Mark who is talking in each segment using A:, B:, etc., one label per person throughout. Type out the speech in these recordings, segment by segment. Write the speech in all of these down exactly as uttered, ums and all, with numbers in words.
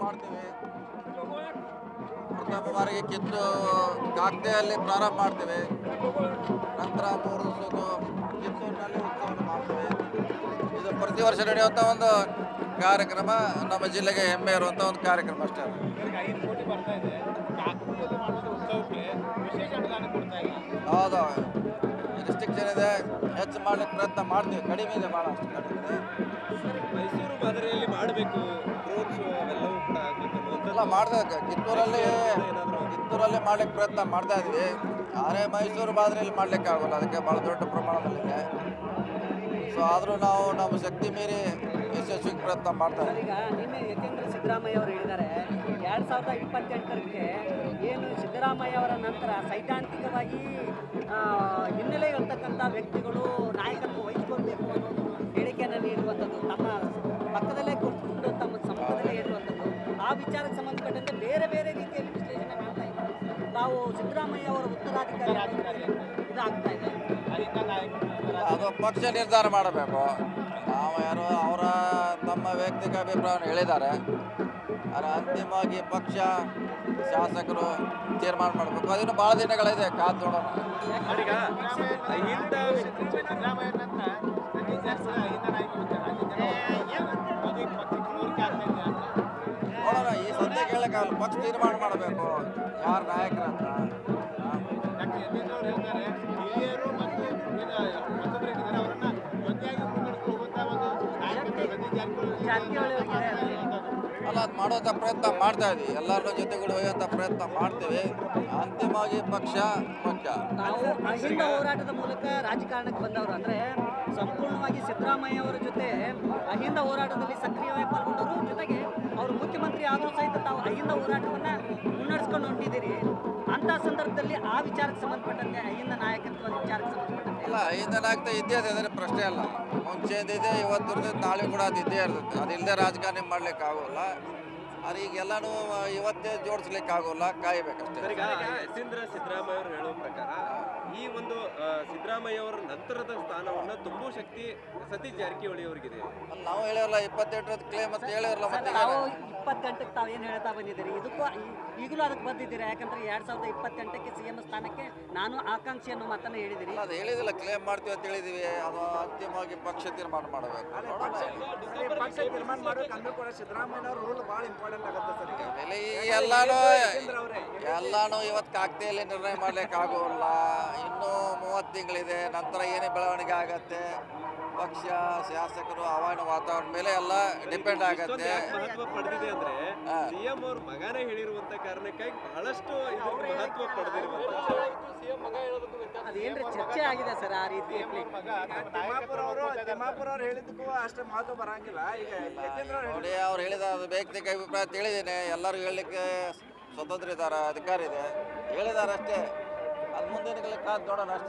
A: ಮಾಡ್ತೀವಿ. ಪ್ರಥಮ ಬಾರಿಗೆ ಕಿತ್ತು ಕಾಗ್ದೆಯಲ್ಲಿ ಪ್ರಾರಂಭ ಮಾಡ್ತೀವಿ. ನಂತರ ಮೂರು ದಿವಸದ್ದು ಕಿತ್ತೂರಿನಲ್ಲಿ ಉತ್ಸವವನ್ನು ಮಾಡ್ತೀವಿ. ಇದು ಪ್ರತಿ ವರ್ಷ ನಡೆಯುವಂಥ ಒಂದು ಕಾರ್ಯಕ್ರಮ, ನಮ್ಮ ಜಿಲ್ಲೆಗೆ ಹೆಮ್ಮೆ ಇರುವಂಥ ಒಂದು ಕಾರ್ಯಕ್ರಮ ಅಷ್ಟೇ.
B: ಐದು ಕೋಟಿ ಬರ್ತಾ ಇದೆ, ಕಾಕತಿಯಲ್ಲಿ ಮಾಡುವಂಥ ಉತ್ಸವಕ್ಕೆ ವಿಶೇಷ ಅನುದಾನ ಕೊಡ್ತಾ ಇಲ್ಲ.
A: ಹೌದು, ರಿಸ್ಟ್ರಿಕ್ಷನ್ ಇದೆ, ಹೆಚ್ಚು ಮಾಡ್ಲಿಕ್ಕೆ ಪ್ರಯತ್ನ ಮಾಡ್ತೀವಿ. ಕಡಿಮೆ ಇದೆ, ಭಾಳ ಅಷ್ಟು ಕಡಿಮೆ ಇದೆ.
B: ಮೈಸೂರು ಮಾದರಿಯಲ್ಲಿ ಮಾಡಬೇಕು ರೋಡ್ ಶೋ ಅವೆಲ್ಲವೂ ಕೂಡ ಆಗಬೇಕು
A: ಎಲ್ಲ ಮಾಡ್ತಾ ಕಿತ್ತೂರಲ್ಲಿ ಕಿತ್ತೂರಲ್ಲಿ ಮಾಡ್ಲಿಕ್ಕೆ ಪ್ರಯತ್ನ ಮಾಡ್ತಾ ಇದ್ವಿ. ಆದರೆ ಮೈಸೂರು ಮಾದರಿಯಲ್ಲಿ ಮಾಡ್ಲಿಕ್ಕೆ ಆಗೋಲ್ಲ, ಅದಕ್ಕೆ ಭಾಳ ದೊಡ್ಡ ಪ್ರಮಾಣದಲ್ಲಿದೆ. ಸೊ ಆದರೂ ನಾವು ನಮ್ಮ ಶಕ್ತಿ ಮೀರಿ ಯಶಸ್ವಿಗೆ ಪ್ರಯತ್ನ ಮಾಡ್ತಾ ಇದ್ದೀವಿ.
C: ಈಗ ನಿನ್ನೆ ಯತೀಂದ್ರ ಸಿದ್ದರಾಮಯ್ಯ ಅವರು ಹೇಳಿದ್ದಾರೆ, ಎರಡು ಸಾವಿರದ ಇಪ್ಪತ್ತೆಂಟರಕ್ಕೆ ಏನು ಸಿದ್ದರಾಮಯ್ಯ ಅವರ ನಂತರ ಸೈದ್ಧಾಂತಿಕವಾಗಿ ಹಿನ್ನೆಲೆ ಇರ್ತಕ್ಕಂಥ ವ್ಯಕ್ತಿಗಳು ನಾಯಕತ್ವ ವಹಿಸ್ಕೊಳ್ಬೇಕು ಅನ್ನೋ ಹೇಳಿಕೆಯನ್ನು ನೀಡುವಂಥದ್ದು, ತಮ್ಮ ಪಕ್ಕದಲ್ಲೇ ಕೂತ್ಕೊಂಡು ತಮ್ಮ ಸಮ್ಮುಖದಲ್ಲೇ ಹೇಳುವಂಥದ್ದು, ಆ ವಿಚಾರಕ್ಕೆ ಸಂಬಂಧಪಟ್ಟಂತೆ ಬೇರೆ ಬೇರೆ ರೀತಿಯಲ್ಲಿ ವಿಶ್ಲೇಷಣೆ ಮಾಡ್ತಾ ಇದ್ದಾರೆ. ತಾವು ಸಿದ್ದರಾಮಯ್ಯ ಅವರ ಉತ್ತರಾಧಿಕಾರಿ ಇದಾಗ್ತಾ ಇದೆ.
A: ಅದು ಪಕ್ಷ ನಿರ್ಧಾರ ಮಾಡಬೇಕು. ನಾವು ಯಾರು ಅವರ ತಮ್ಮ ವೈಯಕ್ತಿಕ ಅಭಿಪ್ರಾಯವನ್ನು ಹೇಳಿದ್ದಾರೆ, ಆದರೆ ಅಂತಿಮವಾಗಿ ಪಕ್ಷ ಶಾಸಕರು ತೀರ್ಮಾನ ಮಾಡಬೇಕು. ಅದನ್ನು ಭಾಳ ದಿನಗಳಿದೆ, ಕಾದು ನೋಡೋಣ. ನೋಡೋಣ, ಈ ಸದ್ಯಕ್ಕೆ ಹೇಳಕ್ಕಾಗಲ್ಲ, ಪಕ್ಷ ತೀರ್ಮಾನ ಮಾಡಬೇಕು ಯಾರು ನಾಯಕರಂತ. ಅಲ್ಲ, ಅದು ಮಾಡುವಂಥ ಪ್ರಯತ್ನ ಮಾಡ್ತಾ ಇದ್ವಿ. ಎಲ್ಲರನ್ನೂ ಜೊತೆಗೂಡಿ ಒಯ್ಯುವಂಥ ಪ್ರಯತ್ನ ಮಾಡ್ತೀವಿ. ಅಂತಿಮವಾಗಿ ಪಕ್ಷ ಮುಖ್ಯ.
C: ನಾವು ಅಹಿಂದ ಹೋರಾಟದ ಮೂಲಕ ರಾಜಕಾರಣಕ್ಕೆ ಬಂದವರು, ಅಂದರೆ ಸಂಪೂರ್ಣವಾಗಿ ಸಿದ್ದರಾಮಯ್ಯ ಅವರ ಜೊತೆ ಅಹಿಂದ ಹೋರಾಟದಲ್ಲಿ ಸಕ್ರಿಯವಾಗಿ ಪಾಲ್ಗೊಂಡವರು, ಜೊತೆಗೆ ಅವರು ಮುಖ್ಯಮಂತ್ರಿ ಆದರೂ ಸಹಿತ ತಾವು ಅಹಿಂದ ಹೋರಾಟವನ್ನು ಮುನ್ನಡೆಸ್ಕೊಂಡು ಹೊಂಟಿದ್ದೀರಿ. ಅಂಥ ಸಂದರ್ಭದಲ್ಲಿ ಆ ವಿಚಾರಕ್ಕೆ ಸಂಬಂಧಪಟ್ಟಂತೆ ಅಹಿಂದ ನಾಯಕತ್ವದ ವಿಚಾರಕ್ಕೆ ಸಂಬಂಧಪಟ್ಟಂತೆ
A: ಅಲ್ಲ, ಅಹಿಂದ ನಾಯಕತ್ವ ಇದ್ದೇ ಇದೆ, ಅದರ ಪ್ರಶ್ನೆ ಅಲ್ಲ. ಮುಂಚೆದಿದೆ, ಇವತ್ತು ಇರ್ತದೆ, ನಾಳೆ ಕೂಡ ಅದು ಇದ್ದೇ ಇರ್ತದೆ. ಅದಿಲ್ಲದೆ ರಾಜಕಾರಣ ಮಾಡ್ಲಿಕ್ಕೆ ಆಗೋಲ್ಲ. ಆದರೆ ಈಗೆಲ್ಲನೂ ಇವತ್ತೇ ಜೋಡಿಸ್ಲಿಕ್ಕೆ ಆಗೋಲ್ಲ, ಕಾಯಬೇಕಷ್ಟೇ.
B: ಈಗ ಯತೀಂದ್ರ ಸಿದ್ದರಾಮಯ್ಯ ಅವರು ಹೇಳುವ ಪ್ರಕಾರ ಈ ಒಂದು ಸಿದ್ದರಾಮಯ್ಯ ಅವರ ನಂತರದ ಸ್ಥಾನವನ್ನು ತುಂಬುವ ಶಕ್ತಿ ಸತೀಶ್ ಜಾರಕಿಹೊಳಿ ಅವರಿಗಿದೆ.
A: ನಾವು ಹೇಳಿರಲ್ಲ, ಇಪ್ಪತ್ತೆಂಟರದ ಕ್ಲೇಮ್ ಅಂತ ಹೇಳಿರಲ್ಲ. ಮತ್ತೆ
C: ತಾವು ಇಪ್ಪತ್ತೆಂಟಕ್ಕೆ ತಾವೇನು ಹೇಳ್ತಾ ಬಂದಿದ್ದೀರಿ, ಇದಕ್ಕೂ ಈಗಲೂ ಅದಕ್ಕೆ ಬಂದಿದ್ದೀರಾ? ಯಾಕಂದ್ರೆ ಎರಡು ಸಾವಿರದ ಇಪ್ಪತ್ತೆಂಟಕ್ಕೆ ಸಿ ಎಂ ಸ್ಥಾನಕ್ಕೆ ನಾನು ಆಕಾಂಕ್ಷಿ ಅನ್ನೋ ಮಾತನ್ನು ಹೇಳಿದಿರಿ.
A: ಅದು ಹೇಳಿದಿಲ್ಲ, ಕ್ಲೇಮ್ ಮಾಡ್ತೀವಿ ಅಂತ ಹೇಳಿದೀವಿ. ಅದು ಅಂತಿಮವಾಗಿ ಪಕ್ಷ ತೀರ್ಮಾನ ಮಾಡಬೇಕು.
D: ತೀರ್ಮಾನ ಮಾಡಬೇಕು ಅಂದ್ರೂ ಕೂಡ ಸಿದ್ದರಾಮಯ್ಯ ಅವ್ರ ರೋಲ್ ಭಾಳ ಇಂಪಾರ್ಟೆಂಟ್ ಆಗುತ್ತೆ ಸರ್.
A: ಎಲ್ಲಾನು ಎಲ್ಲಾನು ಇವತ್ತು ಕಾಗ್ದೆಯಲ್ಲಿ ನಿರ್ಣಯ ಮಾಡ್ಲಿಕ್ಕೆ ಆಗೋಲ್ಲ. ಇನ್ನೂ ಮೂವತ್ತು ತಿಂಗಳಿದೆ, ನಂತರ ಏನೇ ಬೆಳವಣಿಗೆ ಆಗತ್ತೆ, ಪಕ್ಷ ಶಾಸಕರು ಹವಾಮಾನ ವಾತಾವರಣ ಮೇಲೆ ಎಲ್ಲ ಡಿಪೆಂಡ್ ಆಗತ್ತೆ.
B: ಮಹತ್ವ ಪಡೆದಿದೆ ಅಂದ್ರೆ ಸಿಎಂ ಅವ್ರ ಮಗನೇ ಹೇಳಿರುವಂತ ಕಾರಣಕ್ಕಾಗಿ ಬಹಳಷ್ಟು ಮಹತ್ವ ಪಡೆದಿರುವಂತ
C: ಅದೇನ್ರಿ ಚರ್ಚೆ ಆಗಿದೆ ಸರ್ ಆ ರೀತಿ.
D: ತಿಮ್ಮಾಪುರ ಅವರು ತಿಮ್ಮಾಪುರ ಅವ್ರು ಹೇಳಿದ್ದಕ್ಕೂ ಅಷ್ಟೇ ಮಹತ್ವ ಬರಂಗಿಲ್ಲ. ಈಗ ಯತೀಂದ್ರ
A: ನೋಡಿ, ಅವ್ರು ಹೇಳಿದ ಅದು ವೈಯಕ್ತಿಕ ಅಭಿಪ್ರಾಯ ತಿಳಿದೇನೆ. ಎಲ್ಲರೂ ಹೇಳಲಿಕ್ಕೆ ಸ್ವತಂತ್ರ ಇದ್ದಾರೆ, ಅಧಿಕಾರ ಇದೆ, ಹೇಳಿದ್ದಾರೆ ಅಷ್ಟೇ. ಅದು ಮುಂದಿನ ಕಾದು ನೋಡೋಣ ಅಷ್ಟೇ.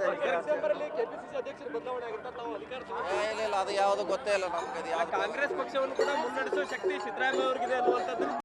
A: ಇಲ್ಲ ಇಲ್ಲ, ಅದು ಯಾವುದು ಗೊತ್ತೇ ಇಲ್ಲ ನಮ್ಗೆ. ಅದು ಯಾವ್ದು
B: ಕಾಂಗ್ರೆಸ್ ಪಕ್ಷವನ್ನು ಕೂಡ ಮುನ್ನಡೆಸುವ ಶಕ್ತಿ ಸಿದ್ದರಾಮಯ್ಯ ಅವರಿಗಿದೆ ಅನ್ನುವಂಥದ್ದು